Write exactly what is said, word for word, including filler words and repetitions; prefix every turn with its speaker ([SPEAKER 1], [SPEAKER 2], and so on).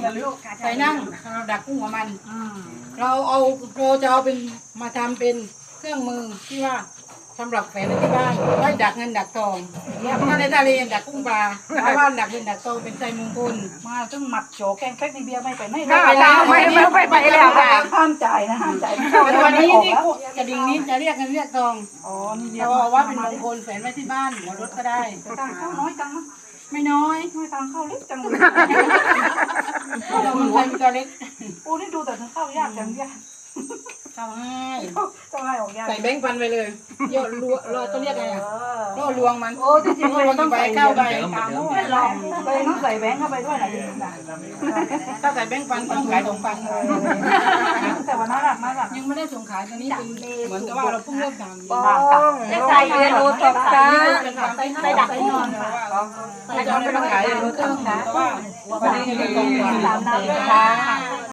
[SPEAKER 1] ใส่นั่งเราดักกุ้งของมันเราเอาเราจะเอาเป็นมาทำเป็นเครื่องมือที่ว่าสำหรับแฝงไว้ที่บ้านไว้ดักเงินดักทองถ้าในทะเลดักกุ้งปลาถ้าว่าดักเงินดักทองเป็นไส้มงคลมาซึ่งหมักโฉแกงเฟกในเบียร์ไม่ไปไม่ไปแล้วไม่ไม่ไปไปแล้วห้ามจ่ายนะห้ามจ่ายวันนี้ที่กระดิ่งนี้จะเรียกเงินเรียกทองอ๋อนี่เรียกว่าเป็นมงคลแฝงไว้ที่บ้านหัวรถก็ได้ตังเข้าน้อยจังไม่น้อยไม่ตังเข้าเล็กจังเลยเราคนไทยมีตัวเล็กโอ้นี่ดูแต่เข้ายากจังเนี่ยเข้าง่ายเข้าง่ายออกยากใส่แบงค์พันไปเลยโยนรัวเราต้องเรียกไงอ่ะล่อลวงมันโอ้จริงๆมันต้องใส่เข้าไปไม่ลองเลยต้องใส่แบงค์เข้าไปด้วยนะถ้าใส่แบงค์พันต้องขายสองพันแต่ว่าน่ารักมากอ่ะยังไม่ได้ส่งขายตอนนี้เป็นเหมือนกับว่าเราเพิ่งเริ่มทำจะใส่เรียนรู้ตกตาใส่ดักนอนใส่ดักไม่ต้องขายเรียนรู้ตกตาเพราะว่าวันนี้มีกองทุนตามน้ำด้วยค่ะ